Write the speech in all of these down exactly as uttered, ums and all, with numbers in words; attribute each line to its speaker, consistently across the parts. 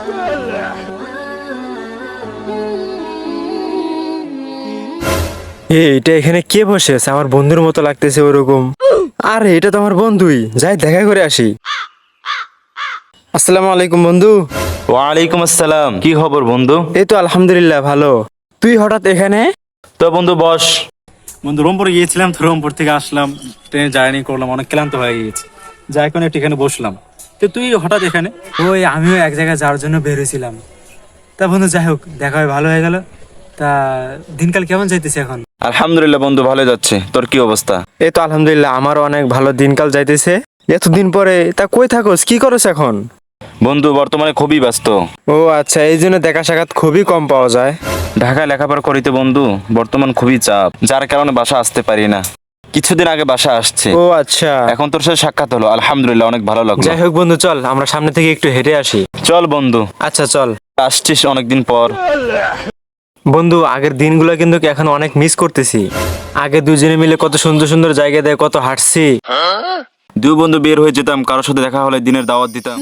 Speaker 1: এটা এখানে কে বসে আছে? আমার বন্ধুর মতো লাগতেছে ওরকম। আরে এটা তো আমার বন্ধুই, যাই দেখা করে আসি। আসসালামু আলাইকুম বন্ধু।
Speaker 2: ওয়ালাইকুম আসসালাম। কি খবর বন্ধু?
Speaker 1: এই তো আলহামদুলিল্লাহ ভালো। তুই হঠাৎ এখানে?
Speaker 2: তো বন্ধু বস।
Speaker 3: বন্ধু রংপুরে গিয়েছিলাম, তো রংপুর থেকে আসলাম, ট্রেনে জার্নি করলাম, অনেক ক্লান্ত হয়ে গিয়েছি, যাই কোনো একটু এখানে বসলাম। তো তুই হঠাৎ এখানে?
Speaker 1: ওই আমিও এক জায়গায় যাওয়ার জন্য বেরোছিলাম। তা বন্ধু যাই হোক, দেখা হয়ে ভালো হয়ে গেল। তা দিনকাল কেমন যাইতেছে এখন?
Speaker 2: আলহামদুলিল্লাহ বন্ধু, ভালো যাচ্ছে। তোর কি অবস্থা?
Speaker 1: এই তো আলহামদুলিল্লাহ, আমারও অনেক ভালো দিনকাল যাইতেছে। এতদিন পরে তা কই থাকোস, কি করছ এখন?
Speaker 2: বন্ধু বর্তমানে খুবই ব্যস্ত।
Speaker 1: ও আচ্ছা, এই জন্য দেখা সাক্ষাৎ খুবই কম পাওয়া যায়।
Speaker 2: ঢাকায় লেখাপড়া করিতে বন্ধু, বর্তমান খুবই চাপ, যার কারণে বাসা আসতে পারি না। কিছুদিন আগে বাসা আসছে।
Speaker 1: ও আচ্ছা,
Speaker 2: এখন তোর সাথে সাক্ষাৎ হলো, আলহামদুলিল্লাহ অনেক ভালো লাগলো।
Speaker 1: যাই হোক বন্ধু, চল আমরা সামনে থেকে একটু হেঁটে আসি।
Speaker 2: চল বন্ধু।
Speaker 1: আচ্ছা চল।
Speaker 2: আসছিস অনেকদিন পর।
Speaker 1: বন্ধু আগের দিনগুলো কিন্তু এখন অনেক মিস করতেছি। আগে দুজনে মিলে কত সুন্দর সুন্দর জায়গা দেয়, কত হাঁটছি।
Speaker 2: দুই বন্ধু বের হয়ে যেতাম, কারোর সাথে দেখা হলে দিনের দাওয়াত দিতাম।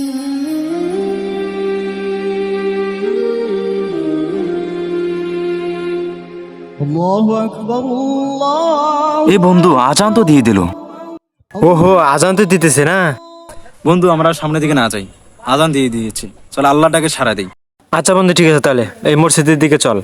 Speaker 2: এ বন্ধু আজান তো দিয়ে দিল।
Speaker 1: ওহো, আজান তো দিতেছে না?
Speaker 3: বন্ধু আমরা সামনের দিকে না যাই, আজান দিয়ে দিয়েছি, চল আল্লাহটাকে সারা দিই।
Speaker 1: আচ্ছা বন্ধু ঠিক আছে, তাহলে এই মসজিদের দিকে চল।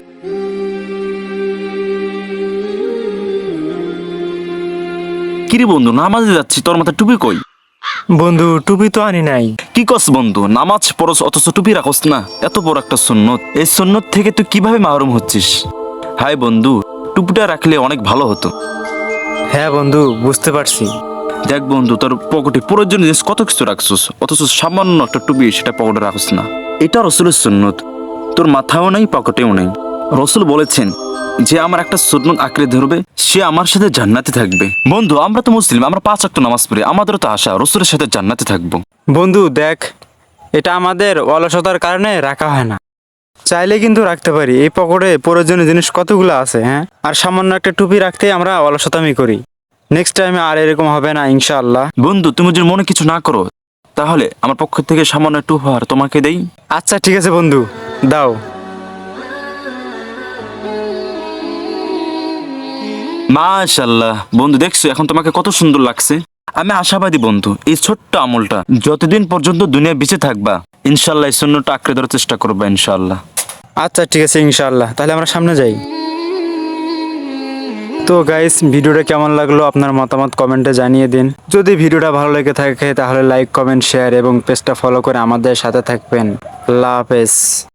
Speaker 2: কিরে বন্ধু, নামাজে যাচ্ছি, তোর মাথায় টুপি কই?
Speaker 1: বন্ধু টুপি তো আনি নাই।
Speaker 2: কি কস বন্ধু, নামাজ পড়স অথচ টুপি রাখস না? এত বড় একটা সুন্নত, এই সুন্নত থেকে তুই কিভাবে মাহরুম হচ্ছিস? হাই বন্ধু, টুপিটা রাখলে অনেক ভালো হতো।
Speaker 1: হ্যাঁ বন্ধু, বুঝতে পারছি।
Speaker 2: দেখ বন্ধু, তোর পকেটে প্রয়োজনীয় জিনিস কত কিছু রাখছিস, অথচ সামান্য একটা টুপি সেটা পকেটে রাখস না। এটা রসুলের সুন্নত। তোর মাথাও নেই, পকেটেও নেই। রসুল বলেছেন যে আমার একটা সুন্নত আঁকড়ে ধরবে, সে আমার সাথে জান্নাতে থাকবে। বন্ধু আমরা তো মুসলিম, আমরা পাঁচ ওয়াক্ত নামাজ পড়ি, আমাদেরও তো আশা রসুলের সাথে জান্নাতে থাকবো।
Speaker 1: বন্ধু দেখ, এটা আমাদের অলসতার কারণে রাখা হয় না। চাইলে কিন্তু রাখতে পারি। এই পকেটে প্রয়োজনীয় জিনিস কতগুলো আছে, হ্যাঁ? আর সামান্য একটা টুপি রাখতে আমরা অলসতামি করি। নেক্সট টাইমে আর এরকম হবে না ইনশাআল্লাহ।
Speaker 2: বন্ধু তুমি যদি মনে কিছু না করো, তাহলে আমার পক্ষ থেকে সামান্য একটু উপহার তোমাকে দেই।
Speaker 1: আচ্ছা ঠিক আছে বন্ধু, দাও।
Speaker 2: মাশাআল্লাহ বন্ধু, দেখছো এখন তোমাকে কত সুন্দর লাগছে। আমি আশাবাদী বন্ধু, এই ছোট্ট আমলটা যতদিন পর্যন্ত দুনিয়া বেঁচে থাকবা, ইনশাল্লাহ এই সুন্নতটা আঁকড়ে ধরার চেষ্টা করবা ইনশাল্লাহ।
Speaker 1: আচ্ছা ঠিক আছে ইনশাআল্লাহ, তাহলে আমরা সামনে যাই। তো গাইস, ভিডিওটা কেমন লাগলো আপনার মতামত কমেন্টে জানিয়ে দিন। যদি ভিডিওটা ভালো লেগে থাকে তাহলে লাইক কমেন্ট শেয়ার এবং পেজটা ফলো করে আমাদের সাথে থাকবেন। আল্লাহ হাফেজ।